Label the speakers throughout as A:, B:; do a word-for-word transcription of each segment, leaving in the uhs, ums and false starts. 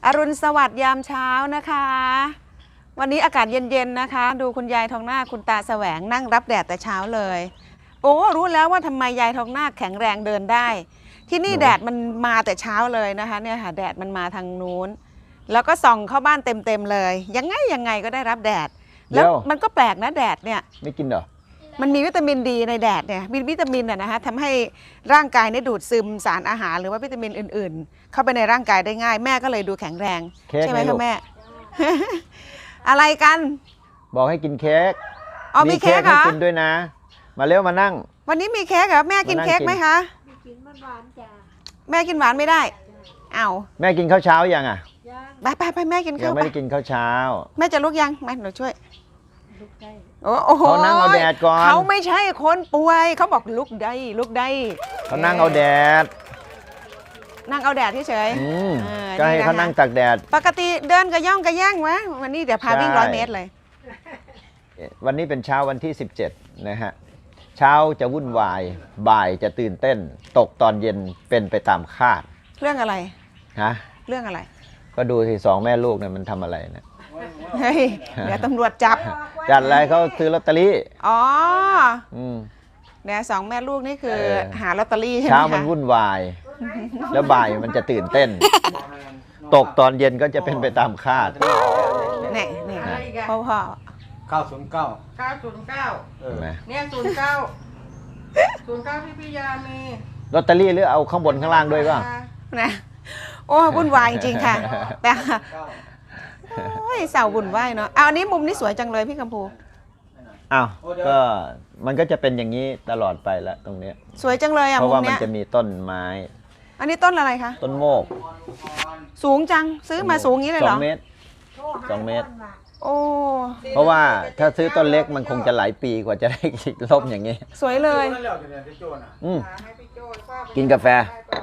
A: อรุณสวัสดิ์ยามเช้านะคะวันนี้อากาศเย็นๆนะคะดูคุณยายทองนาคคุณตาแสวงนั่งรับแดดแต่เช้าเลยโอ้รู้แล้วว่าทำไมยายทองนาคแข็งแรงเดินได้ที่นี่แดดมันมาแต่เช้าเลยนะคะเนี่ยค่ะแดดมันมาทางนู้นแล้วก็ส่องเข้าบ้านเต็มๆเลยยังไงยังไงก็ได้รับแดดแล้วมันก็แปลกนะแดดเนี่ย
B: ไม่กินเหรอ
A: มันมีวิตามินดีในแดดเนี่ยมีวิตามินอะนะคะทำให้ร่างกายเนี่ยดูดซึมสารอาหารหรือว่าวิตามินอื่นๆเข้าไปในร่างกายได้ง่ายแม่ก็เลยดูแข็งแรงใช่ไหมคะแม่ อะไรกัน
B: บอกให้กินเค้ก
A: อ๋อมีเค้กเหรอ
B: กินด้วยนะมาเร็วมานั่ง
A: วันนี้มีเค้กเหรอแม่กินเค้กไหมคะ
C: กินมันหวานจ้ะ
A: แม่กินหวานไม่ได้อ้าว
B: แม่กินข้าวเช้ายังอ่ะ
A: ไปไปไปแม่กินข้าว
B: ยังไม่ได้กินข้าวเช้า
A: แม่จะลุกยังมาหนูช่วย
C: ลุกได้
A: โอ้โห
B: เขานั่งเอาแดดก่อน
A: เขาไม่ใช่คนป่วยเขาบอกลุกได้ลุกได้
B: เขานั่งเอาแดด
A: นั่งเอาแดดเฉย
B: ก็ให้เขานั่งตากแดด
A: ปกติเดินกระย่องกระแย่งวะวันนี้เดี๋ยวพาวิ่งร้อยเมตรเลย
B: วันนี้เป็นเช้าวันที่สิบเจ็ดนะฮะเช้าจะวุ่นวายบ่ายจะตื่นเต้นตกตอนเย็นเป็นไปตามคาด
A: เรื่องอะไร
B: ฮะ
A: เรื่องอะไร
B: ก็ดูสิสองแม่ลูกเนี่ยมันทำอะไรนะ
A: เฮ้ยเดี๋ยวตำรวจจับ
B: จัดอะไรเขาซื้อลอตเตอรี่
A: อ๋อ
B: อืม
A: เนี่ยสองแม่ลูกนี่คือหาลอตเตอรี่ใช่ไหมคะ
B: เช้ามันวุ่นวายแล้วบ่ายมันจะตื่นเต้นตกตอนเย็นก็จะเป็นไปตามคาด
A: เนี่ยเนี่ยพ่อพ่อ
D: เก้าศูนย์เก้า
E: เก้าศูนย์เก้าเนี่ยศูนย์เก้าศูนย์เก้าที่พี่ยามี
B: ลอตเตอรี่หรือเอาข้างบนข้างล่างด้วยป่ะ
A: นะโอ้วุ่นวายจริงค่ะแต่โอ้ยสาววุ่นวายเนาะเอาอันนี้มุมนี้สวยจังเลยพี่กัมพู
B: อ้าวก็มันก็จะเป็นอย่างนี้ตลอดไปละตรงนี้
A: สวยจังเลยอ่ะ
B: เพราะว่ามัน
A: เนี้ย
B: จะมีต้นไม้
A: อันนี้ต้นอะไรคะ
B: ต้นโมก
A: สูงจังซื้อมาสูงงี้เลยเหรอ
B: สองเมตรสองเมตร
A: โอ้
B: เพราะว่าถ้าซื้อต้นเล็กมันคงจะหลายปีกว่าจะได้ร่มอย่างนี้
A: สวยเลย
B: อืมกินกาแฟ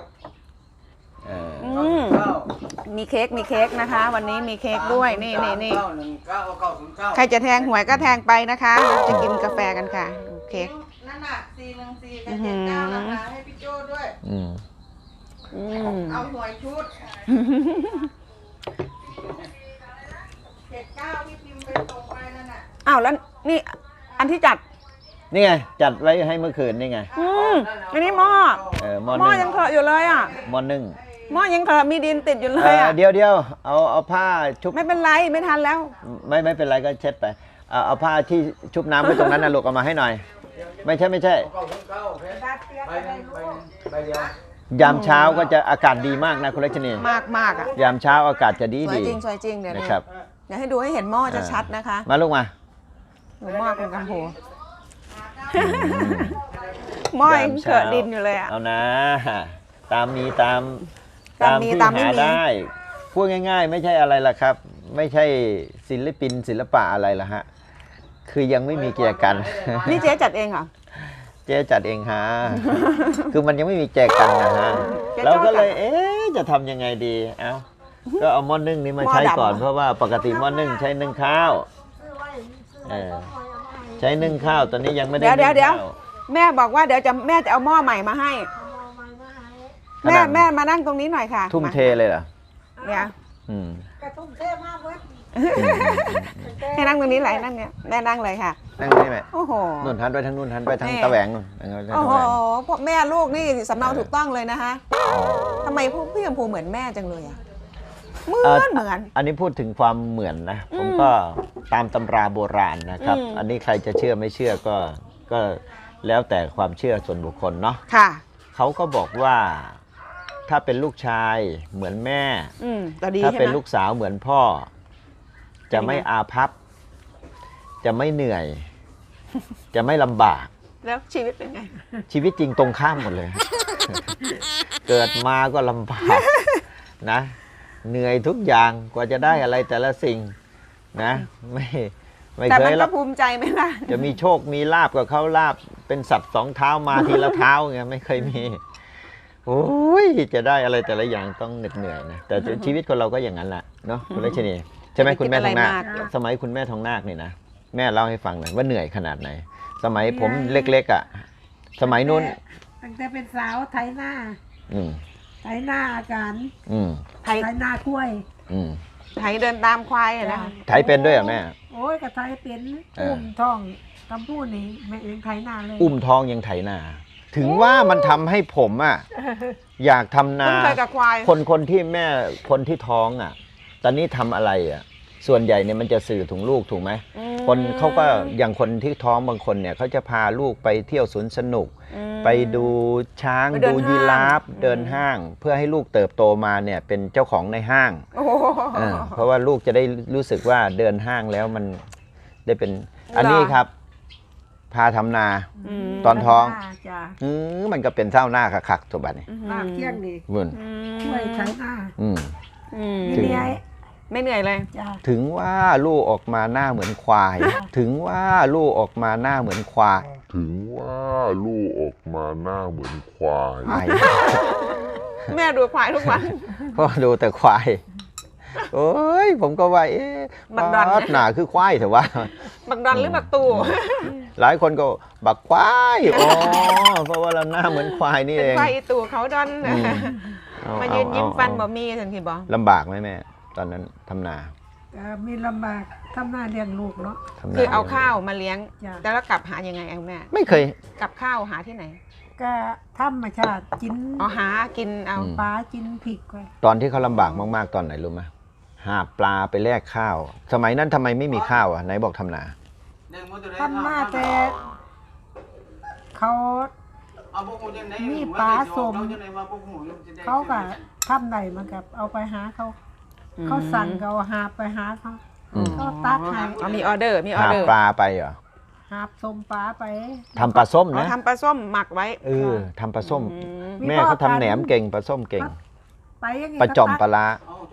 A: มีเค้กมีเค้กนะคะวันนี้มีเค้กด้วยนี่นี่นี่ใครจะแทงหวยก็แทงไปนะคะจะกินกาแฟกันค่ะดูเค้ก
E: นั่นน่ะสี่หนึ่งสี่กับเจ็ดเก้านะคะให้พี่โจ้ด้วยเอาหวยชุดเจ็ดเก้าที่พิมพ์ไปตรงไปนั่นน่ะ
A: อ้าวแล้วนี่อันที่จัด
B: นี่ไงจัดไว้ให้เมื่อคืนนี่ไง
A: อืมอันนี้หม้อ
B: เออห
A: ม้อยังเถอะอยู่เลยอ่ะ
B: หม้อนึ่ง
A: หม้อยังเถอะมีดินติดอยู่เลยอ่ะ
B: เดี๋ยวเดี๋ยวเอาเอาผ้าชุบ
A: ไม่เป็นไรไม่ทันแล้ว
B: ไม่ไม่เป็นไรก็เช็ดไปเอาเอาผ้าที่ชุบน้ำไว้ตรงนั้นนะลูกเอามาให้หน่อยไม่ใช่ไม่ใช่ยามเช้าก็จะอากาศดีมากนะคุณรัชนี
A: มากมากอ่ะ
B: ยามเช้าอากาศจะดีดี
A: สวยจริงสวยจริงเดี๋ยว
B: นะครับ
A: เดี๋ยวให้ดูให้เห็นหม้อจะชัดนะคะ
B: มาลูกมา
A: หนูหม้อคุณกัมพูหม้อยังเกิดดินอยู่เลยอ่ะ
B: เอานะตามมีตามตามที่หาได้พูดง่ายๆไม่ใช่อะไรล่ะครับไม่ใช่ศิลปินศิลปะอะไรล่ะฮะคือยังไม่มีแจกัน
A: นี่เจ๊จัดเองเหรอ
B: เจ๊จัดเองฮะคือมันยังไม่มีแจกันนะฮะเราก็เลยเอ๊ะจะทำยังไงดีเอ้าก็เอาหม้อนึ่งนี้มาใช้ก่อนเพราะว่าปกติหม้อนึ่งใช้นึ่งข้าวใช้นึ่งข้าวตอนนี้ยังไม่ได้
A: เดี๋ยวเดี๋ยวเดี๋ยวแม่บอกว่าเดี๋ยวจะแม่จะเอาหม้อใหม่มาให้แม่แม่มานั่งตรงนี้หน่อยค่ะ
B: ทุ่มเทเลยเหรอ
A: เนี่ย
B: อืม
C: กระทุ่มเทมากเว้ย
A: ให้นั่งตรงนี้ไหลนั่งเนี่ยแม่นั่งเลยค่ะ
B: นั่งได้ไหม
A: โอ้โห
B: นุ่นทันไปทางนุ่นทันไปทางตะแหวง
A: โอ้โหพวกแม่ลูกนี่สำเนาถูกต้องเลยนะคะทำไมพวกพี่กัมพูเหมือนแม่จังเลยอ่ะเหมือนเหมือน
B: อันนี้พูดถึงความเหมือนนะผมก็ตามตำราโบราณนะครับอันนี้ใครจะเชื่อไม่เชื่อก็ก็แล้วแต่ความเชื่อส่วนบุคคลเนาะ
A: ค่ะ
B: เขาก็บอกว่าถ้าเป็นลูกชายเหมือนแม่ถ้าเป็นลูกสาวเหมือนพ่อจะไม่อาภัพจะไม่เหนื่อยจะไม่ลำบาก
A: แล้วชีวิตเป็นไง
B: ชีวิตจริงตรงข้ามหมดเลยเกิดมาก็ลำบากนะเหนื่อยทุกอย่างกว่าจะได้อะไรแต่ละสิ่งนะไม่ไม่เคย
A: แล้วภูมิใจไหมล่ะ
B: จะมีโชคมีลาบกับเขาลาบเป็นสัตว์สองเท้ามาทีละเท้าไงไม่เคยมีโอ้ยจะได้อะไรแต่ละอย่างต้องเหน็ดเหนื่อยนะแต่ชีวิตคนเราก็อย่างนั้นแหละเนาะคุณรัชนีใช่ไหมคุณแม่ทองนาคสมัยคุณแม่ทองนาคนี่นะแม่เล่าให้ฟังหน่อยว่าเหนื่อยขนาดไหนสมัยผมเล็กๆอ่ะสมัยนู้น
C: ตั้งแต่เป็นสาวไถหน้า
B: อืม
C: ไถหน้าอาจารย์
B: อืม
C: ไถหน้ากล้วย
B: อืม
A: ไถเดินตามควายอะนะ
B: ไถเป็นด้วยเหรอแม่
C: โอ้ยกระไทยเป็น
B: เอออุ้
C: อุ้มท้องกำพูนี่แม่เองไทยนาเลย
B: อุ้มท้องยังไถนาถึงว่ามันทำให้ผมอ่ะอยากทำนา
A: คุ้นเคยกับควาย
B: คนคนที่แม่คนที่ท้องอ่ะ ตอนนี้ทำอะไรอ่ะ ส่วนใหญ่เนี่ยมันจะสื่อถึงลูกถูกไหม
A: อืม
B: คนเขาก็อย่างคนที่ท้องบางคนเนี่ยเขาจะพาลูกไปเที่ยวสวนสนุก
A: อืม
B: ไปดูช้าง
A: ไปเดิน
B: ดูยีราฟ
A: ห้าง
B: เดินห้าง เพื่อให้ลูกเติบโตมาเนี่ยเป็นเจ้าของในห้าง
A: โอ้โห
B: เออเพราะว่าลูกจะได้รู้สึกว่าเดินห้างแล้วมันได้เป็นอันนี้ครับ พาทำนา
A: ม
B: ตอนท้อง
C: จ้ะ
B: อืมมันก็เป็นเท่าหน้าคักๆตัวบัดนี้
C: ลากเที่ยงนี่
B: วุ่น
A: อืม
C: ช่วยไทยนา
B: อืม
A: อืม
C: ไม่เหนื่อย
A: ไม่เหนื่อยเลย
C: จ้ะ
B: ถึงว่าลูกออกมาหน้าเหมือนควาย ถึงว่าลูกออกมาหน้าเหมือนควาย
D: ถึงว่าลูกออกมาหน้าเหมือนควาย
A: แม่ดูควายทุกวัน
B: เพราะดูแต่ควายโอ้ยผมก็ว่าเอ๊ะ
A: บักดอน
B: ป๊าดหนาคือควายเถอะวะ
A: บักดอนหรือบักตู่
B: หลายคนก็บักควายอ๋อเพราะว่าเราหน้าเหมือนควายนี่
A: เป็
B: เอน ง
A: ควายอีตู่เขาดอน
B: อืมเอ
A: มา
B: เอ
A: ยืนยิ้ม
B: เอ
A: ฟัน
B: เอ
A: บ่มีสันทีบอก
B: ลำบากไหมแม่ ตอนนั้นทำนา
C: ก็มีลำบากทำหน้าเลี้ยงลูกเนาะ
B: ทำนา
A: คือเอาข้าวมาเลี้ยง
C: จ้ะ
A: แต่แล้วกลับหายังไงเอาแม่
B: ไม่เคย
A: กับข้าวหาที่ไหน
C: ก็ธรรมชาติกิน
A: อ๋อหากินเอา
B: อืม
C: ปลากินผิกไว้
B: ตอนที่เขาลำบากมากๆตอนไหนรู้ไหมหาปลาไปแลกข้าว สมัยนั้นทำไมไม่มีข้าวอ่ะไหนบอกทำนา
C: ทำมาแต่เขา มีปลาส้ม เขาก็ทำไหนมันกับเอาไปหาเขา เขาสั่งก็เอาหาบไปหาเขา
B: อืม
C: เขาตักให้
A: อ๋อมีออเดอร์มีออ
B: หา
A: เดอร์
B: ปลาไปเหรอ
C: หาบส้มปลาไป
B: ทำปลาส้ม
A: อ๋อ
B: นะ
A: ทำปลาส้มหมักไว้
B: เออทำปลาส้ม
A: อืม
B: แม่เขาทำแหนมเก่งปลาส้มเก่ง
C: ไปอยังไง
B: ปลาจอมปลาร้า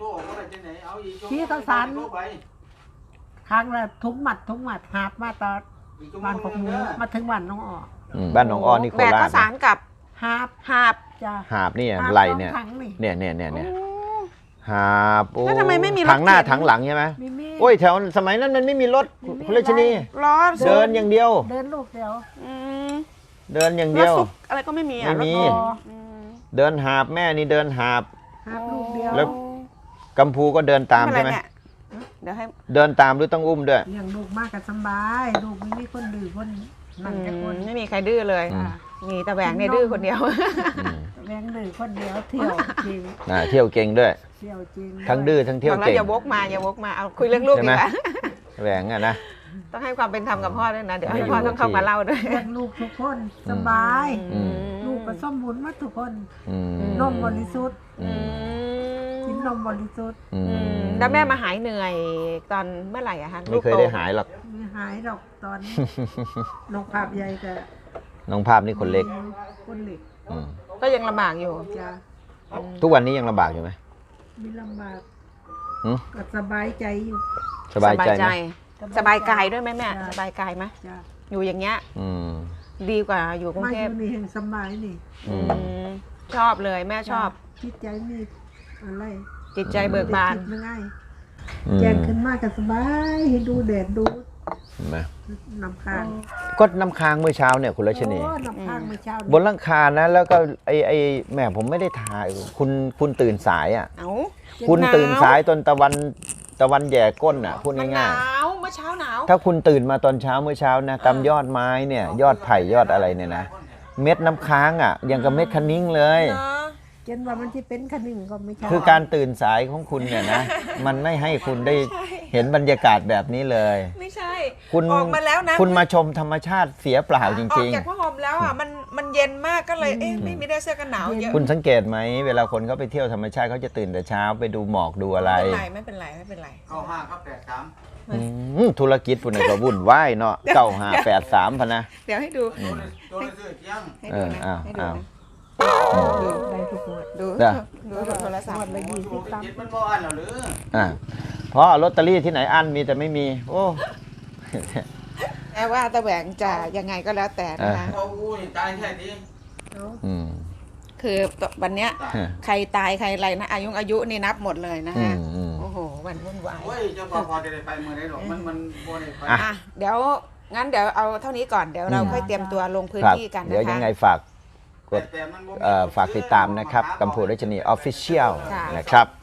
C: ครั้งละทุกหมัดทุกหมัดหาบมาตอนบ้านของหมูมาถึงวันน้องออก
B: อืมบ้านหนองอ้อนี่โค
A: แบก
B: รา
A: ข้า
B: ช
A: วสารกับ
C: หาบ
A: หาบ
C: จ้ะ
B: หาบนี่
C: หาบ
B: ไหล
C: สอง
B: เนี่ย
C: ถังนี่
B: เนี่ยเนี่ยเนี่ยเนี่ยหาบโอ้
A: แล้วทำไมไม่มีรถ
B: ถังหน้า
A: เข็น
B: ถังหลังใช่ไหม
C: มีมี
B: โอ้ยแถวสมัยนั้นมันไม่มีรถ
C: ไม่มี
B: คุณราชนี
A: ล้อ
B: เดินอย่างเดียว
C: เดินลูกเดียว
A: อืม
B: เดินอย่าง
A: ร
B: เดี
A: ถ
B: ยว
A: ซุกอะไรก็ไม่มีอ่ะ
B: ไม่มี
A: รถ
C: พอ
A: อืม
B: เดินหาบแม่นี่เดินหาบ
C: หาบลูกเดียว
B: แล้ว กัมพูก็เดินตาม
A: ไม่
B: ใช่
A: เป็น
B: ไหม
A: ไรเนี่ยเดี๋ยวให้
B: เดินตามหรือต้องอุ้มด้วย
C: เลี้ยงลูกมากกับสบายลูกไม่มีคนดื้อคนนั่นแค่คน
A: ไม่มีใครดื้อเลย
B: อืม
A: มีแต่แหวงเนี่ยดื้อคนเดียว
B: อืม
C: แรงดื้อคนเดียวเที่ยวจริง
B: อ่าเที่ยวเก่งด้วย
C: เที่ยวจริง
B: ทั้งดื้อทั้งเที่ยว
A: บอกแล้ว
B: เก่ง
A: อย่าวกมาอย่าวกมาเอาคุยเรื่องลูก
B: ใช่
A: ดี
B: ไหม
A: กว่า
B: แหวงอ่ะนะ
A: ต้องให้ความเป็นธรรมกับพ่อด้วยนะ เดี๋ยวให้
B: ไม่อยู่
A: พ่อต้องเข้ามาเล่าด้วย
C: เลี้ยงลูกทุกคนสบาย
B: อืม
C: ลูกก็สมบูรณ์หมาทุกคน
B: อืม
C: นมบริสุทธิ์
B: อืม
C: กินนมบริสุทธิ์
B: อื
A: อื
B: ม
A: มแล้วแม่มาหายเหนื่อยตอนเมื่อไหร่อะคะ
B: ไม่เคยได้หายหรอก
C: ไม่หายหรอกตอนนกภาพใหญ่แต่
B: น้องภาพนี่คนเล็ก
C: คนเล็ก
B: อืม
A: ก็ยังลำบากอยู่
C: จ้ะ
B: ทุกวันนี้ยังลำบากอยู่ไหม
C: มีลำบาก
B: หืม
C: ก็สบายใจอยู่
B: สบายใจไหม
A: สบายกายด้วยไหมแม่
C: จ้ะ
A: สบายกายไหม
C: จ้ะ
A: อยู่อย่างเงี้ย
B: อืม
A: ดีกว่าอยู่กรุง
C: มา
A: เท
C: อ
A: พ
C: ยู่นี่แห่งสบายนี่
B: อืม
A: อืมชอบเลยแม่ชอบ
C: จิตใจมีอะไร
A: จิตใจเบิกบาน
C: คิดไม่ง่าย
B: อืม
C: แจ้งขึ้นมาก็สบายดูแดดดู
B: เห็นไหม
C: น้ำค้าง
B: ก็น้ำค้างเมื่อเช้าเนี่ยคุณรัชนี
C: โอ้น้ำค้างเมื่อเช้า
B: บนหลังคานะแล้วก็ไอไอแหม่ผมไม่ได้ถ่ายคุณคุณตื่นสายอ่ะ
A: เอ้า
B: คุณ
A: หนาว
B: ตื่นสายตอนตะวันตะวันแย่ก้นอ่ะพูด
A: มันห
B: ง่าน
A: าย วเมื่อเช้าหนาว
B: ๆถ้าคุณตื่นมาตอนเช้าเมื่อเช้านะตามยอดไม้เนี่ยยอดไผ่ยอดอะไรเนี่ยนะเม็ดน้ำค้างอ่ะยังกับเม็ดคะนิ้งเลย
A: เนอะ
C: เจนว่ามันจะเป็นขนึงก็ไม่ใช่
B: คือการตื่นสายของคุณเนี่ยนะ มันไม่ให้คุณได้เห็นบรรยากาศแบบนี้เลย
A: ไม่ใช่
B: คุณ
A: ออกมาแล้วนะ
B: คุณมาชมธรรมชาติเสียเปล่าจ
A: อ
B: ริ
A: อง กจากผ้าห่มแล้วอ่ะมันมันเย็นมากก็เลยเอ๊ะไม่ไม่ได้เสื้อกันหนาวเยอะ
B: ๆ คุณสังเกตไหมเวลาคนเขาไปเที่ยวธรรมชาติเขาจะตื่นแต่เช้าไปดูหมอกดูอะไร
A: ไม่เป็นไรไม่เป็นไรไม่เป็นไร
E: เข้าห้าครับแปดสาม
B: อืมธุรกิจคุณน่ะก็วุ่นวายเนาะเก้าห้าแปดสามพะนะ
A: เดี๋ยวให้ดู
E: ตัวเลยตัวเลยซื้อเที่ยง
A: ให้ดูนะ
B: เอออ้าว
A: ให้ดู
B: อ้าว
A: นะ
C: ได้ทุกงวด
A: ดู
B: เด้อ
A: ดูโทรศัพท์
C: ละยี่สิบตัง
E: เจ็ด
C: ค์
E: มันบ่อันเหรอหรือ
B: อ่าเพราะลอตเตอรี่ที่ไหนอันมีแต่ไม่มี โอ้
A: แม้ว่าตะแหวงจะยังไงก็แล้วแต่นะคะ
B: อ่า
E: เอาอู้ยตายแค่ที
B: อืม
A: คือวันเนี้ยใครตายใครอะไรนะอายุอายุนี่นับหมดเลยนะ
B: อื
A: ฮะ
B: มอืม
A: โอ้โหวันวุ่นวาย
E: โอ้ยเจ้าพ่อพอจะได้ไปเมื่อไรหรอกมันมันบ่ได้ไป
B: อ่ะ
A: อ่ะเดี๋ยวงั้นเดี๋ยวเอาเท่านี้ก่อนเดี๋ยวเราค่อยเตรียมตัวลงพื้น
B: ครับ
A: ที่กัน
B: เดี๋ยว
A: นะ
B: ยัง
A: คะ
B: ไงฝากกด
E: แต่มันบ่มี
B: เอ่อฝากติดตามนะครับกัมพูรัชนีออฟฟิเชียล
A: ค่ะ
B: นะครับ